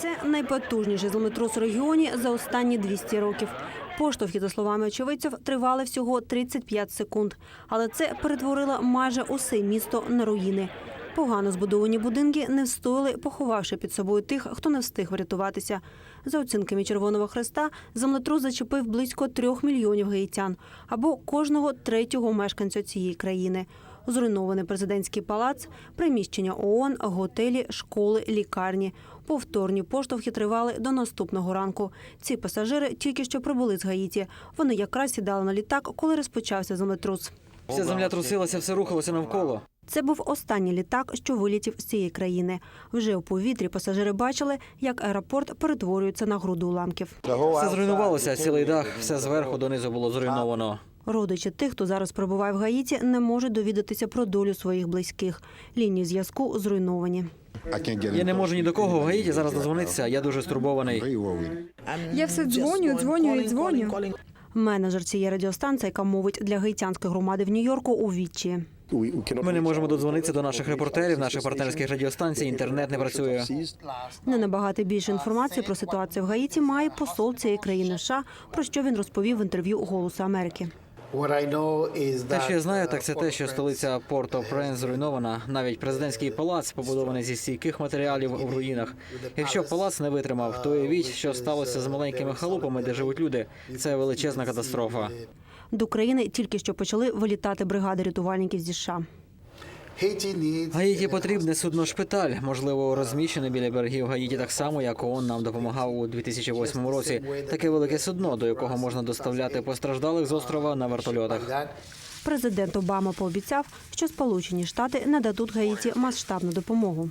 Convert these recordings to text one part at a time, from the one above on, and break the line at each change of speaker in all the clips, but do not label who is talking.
Це найпотужніший землетрус у регіоні за останні 200 років. Поштовхи, за словами очевидців, тривали всього 35 секунд. Але це перетворило майже усе місто на руїни. Погано збудовані будинки не встояли, поховавши під собою тих, хто не встиг врятуватися. За оцінками Червоного Хреста, землетрус зачепив близько 3 мільйонів гаїтян, або кожного третього мешканця цієї країни. Зруйнований президентський палац, приміщення ООН, готелі, школи, лікарні. Повторні поштовхи тривали до наступного ранку. Ці пасажири тільки що прибули з Гаїті. Вони якраз сідали на літак, коли розпочався землетрус.
Вся земля трусилася, все рухалося навколо.
Це був останній літак, що вилетів з цієї країни. Вже у повітрі пасажири бачили, як аеропорт перетворюється на груду уламків.
Все зруйнувалося, цілий дах, все зверху донизу було зруйновано.
Родичі тих, хто зараз перебуває в Гаїті, не можуть довідатися про долю своїх близьких. Лінії зв'язку зруйновані.
Я не можу ні до кого в Гаїті зараз дозвонитися, я дуже стурбований.
Я все дзвоню.
Менеджер цієї радіостанції, яка мовить для гаїтянської громади в Нью-Йорку, у відчаї.
Ми не можемо додзвонитися до наших репортерів, наших партнерських радіостанцій, інтернет не працює.
Не набагато більше інформації про ситуацію в Гаїті має посол цієї країни США, про що він розповів в інтерв'ю «Голосу Америки».
Те, що я знаю, так це те, що столиця Порт-о-Пренс зруйнована. Навіть президентський палац побудований зі стійких матеріалів в руїнах. Якщо палац не витримав, то уявіть, що сталося з маленькими халупами, де живуть люди. Це величезна катастрофа.
До країни тільки що почали вилітати бригади рятувальників зі США.
Гаїті потрібне судно-шпиталь, можливо, розміщене біля берегів Гаїті так само, як ООН нам допомагав у 2008 році. Таке велике судно, до якого можна доставляти постраждалих з острова на вертольотах.
Президент Обама пообіцяв, що Сполучені Штати нададуть Гаїті масштабну допомогу.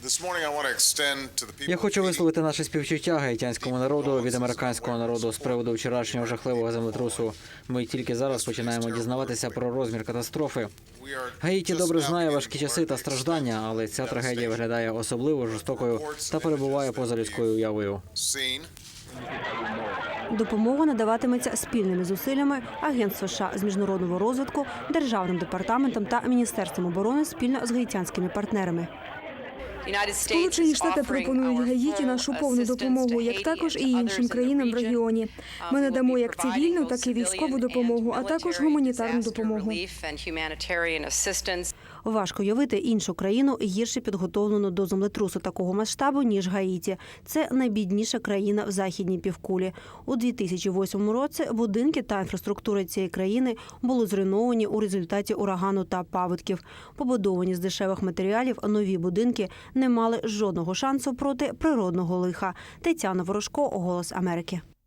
Я хочу висловити наше співчуття гаїтянському народу від американського народу з приводу вчорашнього жахливого землетрусу. Ми тільки зараз починаємо дізнаватися про розмір катастрофи. Гаїті добре знає важкі часи та страждання, але ця трагедія виглядає особливо жорстокою та перебуває поза людською уявою.
Допомога надаватиметься спільними зусиллями Агентства США з міжнародного розвитку, Державним департаментом та Міністерством оборони спільно з гаїтянськими партнерами.
Сполучені Штати пропонують Гаїті нашу повну допомогу, як також і іншим країнам в регіоні. Ми надамо як цивільну, так і військову допомогу, а також гуманітарну допомогу.
Важко уявити іншу країну гірше підготовлену до землетрусу такого масштабу, ніж Гаїті. Це найбідніша країна в західній півкулі. У 2008 році будинки та інфраструктура цієї країни були зруйновані у результаті урагану та паводків. Побудовані з дешевих матеріалів нові будинки не мали жодного шансу проти природного лиха. Тетяна Ворожко, «Голос Америки».